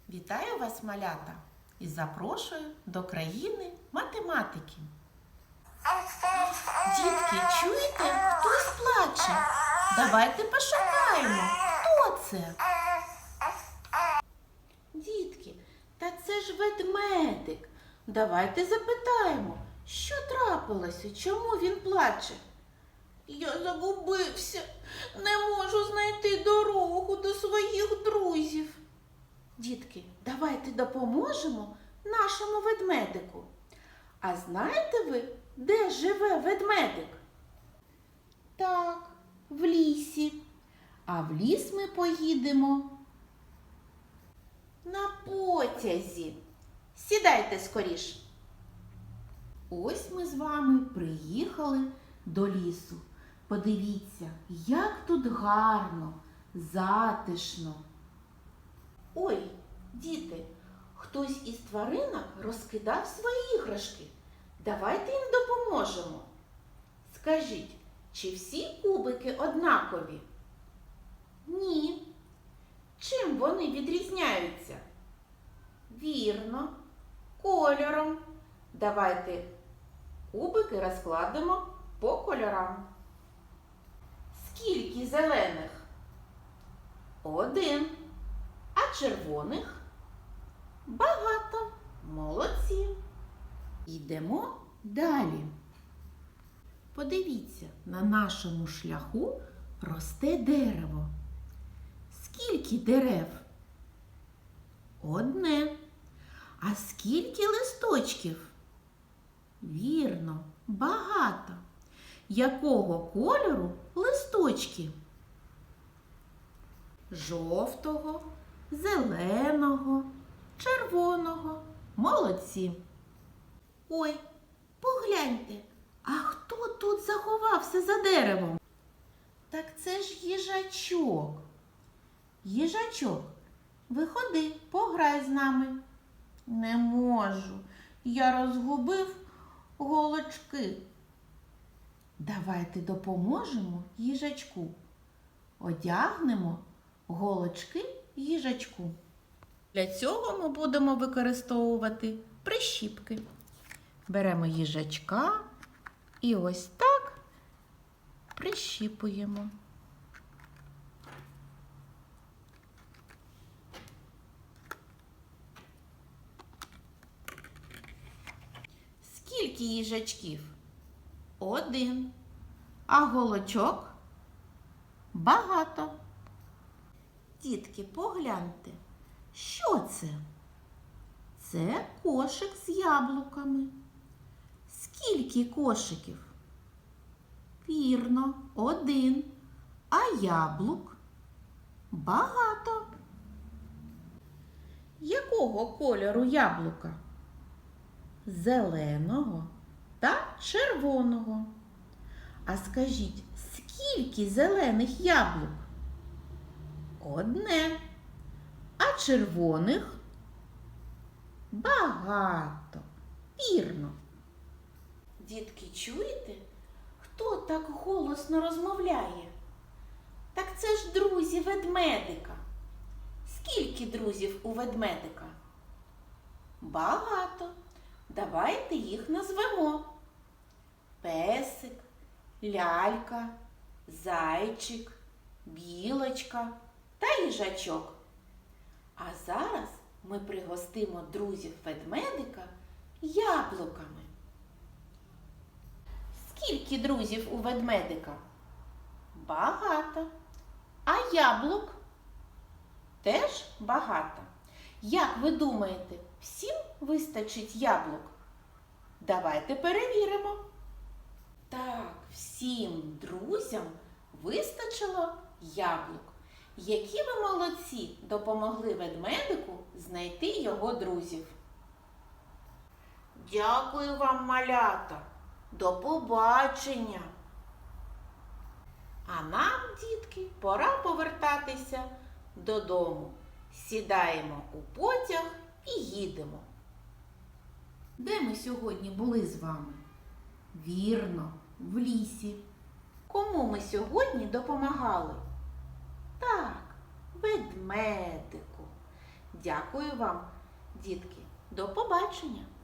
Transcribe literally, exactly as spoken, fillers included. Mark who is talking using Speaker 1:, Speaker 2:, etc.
Speaker 1: Вітаю вас, малята, і запрошую до країни математики. Дітки, чуєте, хтось плаче? Давайте пошукаємо, хто це? Дітки, та це ж ведмедик. Давайте запитаємо, що трапилося, чому він плаче? Я загубився, не можу знайти дорогу до своїх друзів. Дітки, давайте допоможемо нашому ведмедику. А знаєте ви, де живе ведмедик? Так, в лісі. А в ліс ми поїдемо на потязі. Сідайте скоріш. Ось ми з вами приїхали до лісу. Подивіться, як тут гарно, затишно. Ой, діти, хтось із тваринок розкидав свої іграшки. Давайте їм допоможемо. Скажіть, чи всі кубики однакові? Ні. Чим вони відрізняються? Вірно, кольором. Давайте кубики розкладемо по кольорам. Скільки зелених? Один. А червоних? Багато. Молодці. Йдемо далі. Подивіться, на нашому шляху росте дерево. Скільки дерев? Одне. А скільки листочків? Вірно, багато. Якого кольору листочки? Жовтого, зеленого, червоного. Молодці. Ой, погляньте, а хто тут заховався за деревом? Так це ж їжачок. Їжачок, виходи, пограй з нами. Не можу, я розгубив голочки. Давайте допоможемо їжачку. Одягнемо голочки їжачку. Для цього ми будемо використовувати прищіпки. Беремо їжачка і ось так прищіпуємо. Скільки їжачків? Один. А голочок? Багато. Дітки, погляньте, що це? Це кошик з яблуками. Скільки кошиків? Вірно, один. А яблук? Багато. Якого кольору яблука? Зеленого та червоного. А скажіть, скільки зелених яблук? Одне. А червоних? Багато. Вірно. Дітки, чуєте? Хто так голосно розмовляє? Так це ж друзі ведмедика. Скільки друзів у ведмедика? Багато. Давайте їх назвемо. Песик, лялька, зайчик, білочка та їжачок. А зараз ми пригостимо друзів ведмедика яблуками. Скільки друзів у ведмедика? Багато. А яблук? Теж багато. Як ви думаєте, всім вистачить яблук? Давайте перевіримо. Так, всім друзям вистачило яблук. Які ви молодці, допомогли ведмедику знайти його друзів. Дякую вам, малята. До побачення. А нам, дітки, пора повертатися додому. Сідаємо у потяг і їдемо. Де ми сьогодні були з вами? Вірно, в лісі. Кому ми сьогодні допомагали? Так, ведмедику. Дякую вам, дітки. До побачення!